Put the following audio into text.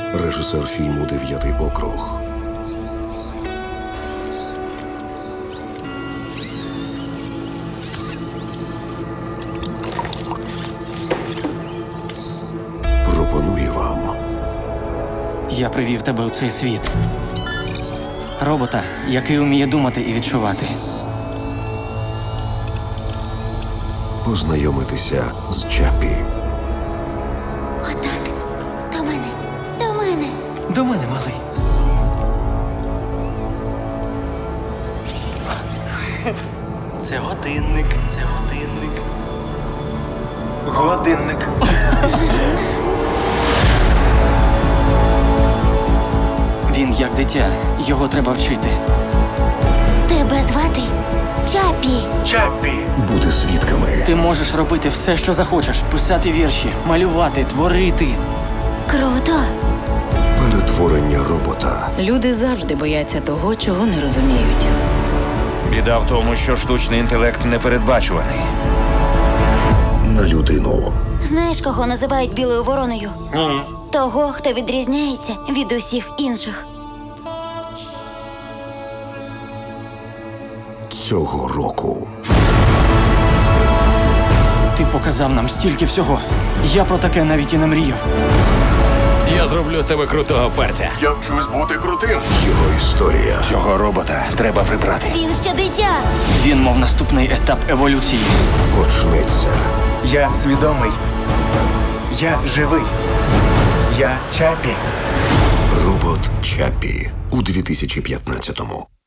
Режисер фільму «Дев'ятий округ». Пропонує вам Я привів тебе у цей світ. Робота, який вміє думати і відчувати. познайомитися з Чаппі. Отак. До мене. До мене. До мене, малий. Це годинник, це годинник. Годинник. Він як дитя, його треба вчити. Тебе звати Чапі. Чаппі! Бути свідками Ти можеш робити все, що захочеш. Писати вірші, малювати, творити. Круто. перетворення робота Люди завжди бояться того, чого не розуміють. Біда в тому, що штучний інтелект непередбачуваний. на людину. Знаєш, кого називають білою вороною? Ні. Того, хто відрізняється від усіх інших. Цього року Ти показав нам стільки всього. Я про таке навіть і не мріяв. Я зроблю з тебе крутого перця. його історія Цього робота треба прибрати. Він ще дитя. Він мов наступний етап еволюції. почнеться Я свідомий. Я живий. Я Чапі. робот Чаппі у 2015-му.